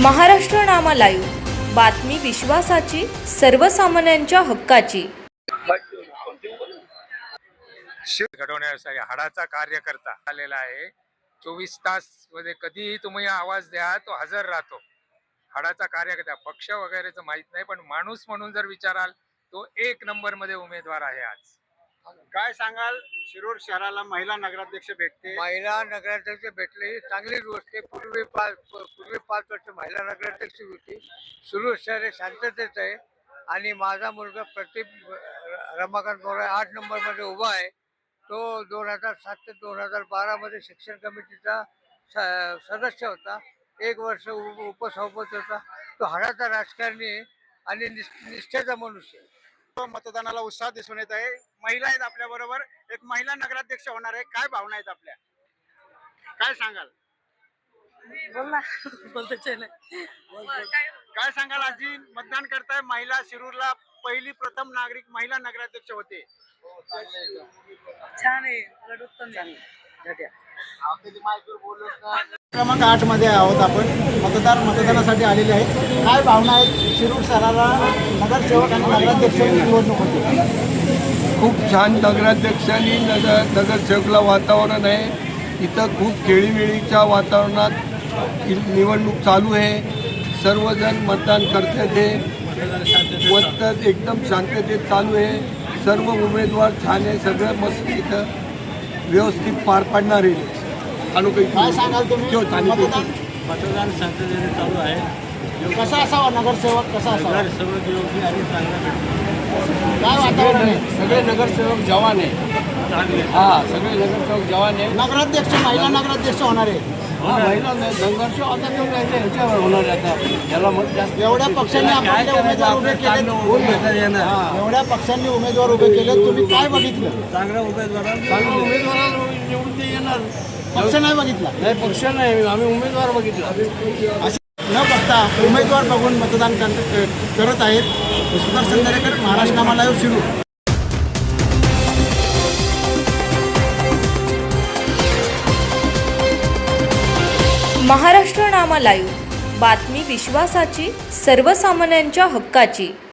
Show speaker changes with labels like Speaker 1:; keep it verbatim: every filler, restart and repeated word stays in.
Speaker 1: Maharashtra Nama live, बातमी विश्वासाची, सर्वसामान्यांच्या हक्काची।
Speaker 2: शिव घडवण्यासाठी हाडाचा कार्यकर्ता आलेला आहे। चोवीस तास मध्ये कधीही तुम्ही आवाज द्या तो हजर राहतो। हाडाचा कार्यकर्ता, पक्ष वगैरेचं माहित नाही, पण माणूस म्हणून जर विचाराल तो एक नंबर मध्ये उमेदवार आहे। आज
Speaker 3: काय सांगाल, शिरूर शहराला महिला नगराध्यक्ष भेटते?
Speaker 4: महिला नगराध्यक्ष भेटले ही चांगलीच गोष्ट आहे। पूर्वी पाच पूर्वी पाच वर्ष महिला नगराध्यक्ष होती। शिरूर शहर हे शांततेत आहे आणि माझा मुलगा प्रतीक रमाकांत मोरे आठ नंबरमध्ये उभा आहे। तो दोन हजार सात ते दोन हजार बारामध्ये शिक्षण कमिटीचा सदस्य होता, एक वर्ष उपसभापती होता। तो हाडाचा राजकारणी आहे आणि निष्ठेचा मनुष्य आहे।
Speaker 3: मतदानाला उत्साह दिसून येत आहे। महिला आहेत आपल्या बरोबर, एक महिला नगराध्यक्ष होणार आहे। काय भावना आहेत आपल्या, काय सांगाल? काय सांगाल? आजी मतदान करताय, महिला शिरूरला पहिली प्रथम नागरिक महिला नगराध्यक्ष होते।
Speaker 5: छान आहे, उत्तम आहे।
Speaker 3: क्रमांक आठ मध्ये आहोत आपण, मतदार मतदानासाठी आलेले आहेत। काय भावना आहेत? शिरूर शहराला नगरसेवक आणि नगराध्यक्षांची निवडणूक होती।
Speaker 6: खूप छान नगराध्यक्षांनी नगर नगरसेवकला वातावरण आहे। इथं खूप खेळीमेळीच्या वातावरणात निवडणूक चालू आहे। सर्वजण मतदान करतात आहे, मतदान एकदम शांततेत चालू आहे। सर्व उमेदवार छान आहे, सगळं मस्त इथं व्यवस्थित पार पाडणार आहे।
Speaker 3: काय सांगाल तुम्ही? मतदान
Speaker 7: मतदान शांततेने चालू आहे।
Speaker 3: कसा असावा नगरसेवक, कसा असावा?
Speaker 7: नगरसेवक योग्य आणि चांगला भेटतो।
Speaker 3: काय वातावरण आहे?
Speaker 6: सगळे नगरसेवक जवान आहे।
Speaker 7: चांगले
Speaker 6: हा, सगळे नगरसेवक जवान आहे।
Speaker 3: नगराध्यक्ष महिला नगराध्यक्ष होणार आहे।
Speaker 6: महिला नगरसेवक आता तो ह्याच्यावर होणार आहे। आता याला मत जास्त
Speaker 3: एवढ्या पक्षांनी आपले उमेदवार उभे केले, एवढ्या पक्षांनी उमेदवार उभे केले, तुम्ही काय बघितलं?
Speaker 7: चांगल्या उमेदवारांना
Speaker 6: चांगला उमेदवाराला निवडून ते येणार।
Speaker 3: पक्ष नाही बघितला,
Speaker 6: नाही पक्ष नाही, आम्ही उमेदवार बघितला।
Speaker 3: असं न बघता उमेदवार बघून मतदान कर- करत आहेत। सुदर्शन दरेकर, महाराष्ट्र नामा लाईव्ह, शिरूर।
Speaker 1: महाराष्ट्र नामा लाईव्ह, बातमी विश्वासाची, सर्वसामान्यांच्या हक्काची।